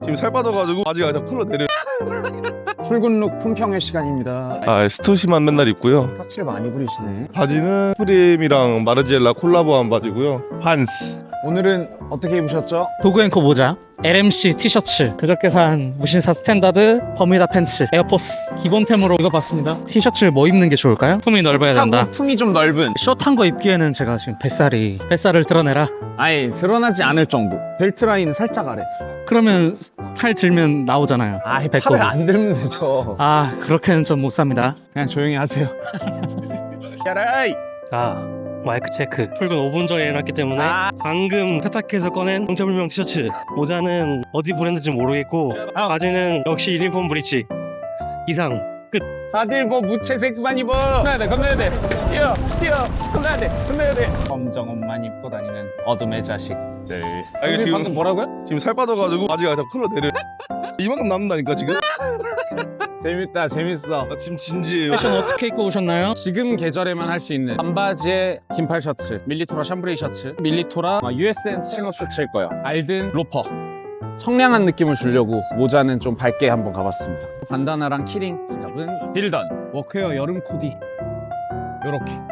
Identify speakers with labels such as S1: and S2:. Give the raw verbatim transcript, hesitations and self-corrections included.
S1: 지금 살 빠져가지고 바지가 다 풀어내려.
S2: 출근룩 품평의 시간입니다.
S1: 아 스투시만 맨날 입고요.
S2: 터치를 많이 부리시네.
S1: 바지는 프림이랑 마르지엘라 콜라보한 바지고요. 판스.
S2: 오늘은 어떻게 입으셨죠?
S3: 도그앤코 모자, 엘엠씨 티셔츠, 그저께 산 무신사 스탠다드, 버뮤다 팬츠, 에어포스 기본템으로 입어봤습니다. 티셔츠를 뭐 입는 게 좋을까요? 품이 넓어야 된다.
S2: 하고 품이 좀 넓은.
S3: 숏한 거 입기에는 제가 지금 뱃살이 뱃살을 드러내라.
S2: 아예 드러나지 않을 정도. 벨트 라인은 살짝 아래.
S3: 그러면 팔 들면 나오잖아요.
S2: 아예
S3: 배꼽이.
S2: 팔을 안 들면 되죠.
S3: 아 그렇게는 전 못 삽니다.
S2: 그냥 조용히 하세요. 야라이.
S4: 자, 마이크 체크. 출근 오 분 전에 해놨기 때문에
S2: 아.
S4: 방금 세탁해서 꺼낸 정체불명 티셔츠. 모자는 어디 브랜드인지 모르겠고
S2: 아.
S4: 바지는 역시 유니폼 브릿지. 이상 끝.
S2: 다들 뭐 무채색만 입어. 건너야 돼, 건너야 돼. 뛰어, 뛰어. 건너야 돼, 건너야 돼. 검정 옷만 입고 다니는 어둠의 자식들.
S1: 아, 이게
S2: 우리
S1: 지금-
S2: 방금 뭐라고요?
S1: 지금 살 빠져가지고 바지가 다 풀어내려. 이만큼 남는다니까 지금.
S2: 재밌다, 재밌어.
S1: 나 지금 진지해요.
S3: 패션 어떻게 입고 오셨나요?
S2: 지금 계절에만 할 수 있는 반바지에 긴팔 셔츠, 밀리토라 샴브레이 셔츠, 밀리토라 유에스엔 치노 셔츠일 거예요. 알든 로퍼. 청량한 느낌을 주려고 모자는 좀 밝게 한번 가봤습니다. 반다나랑 키링, 지갑은 빌던, 워크웨어 여름 코디. 요렇게.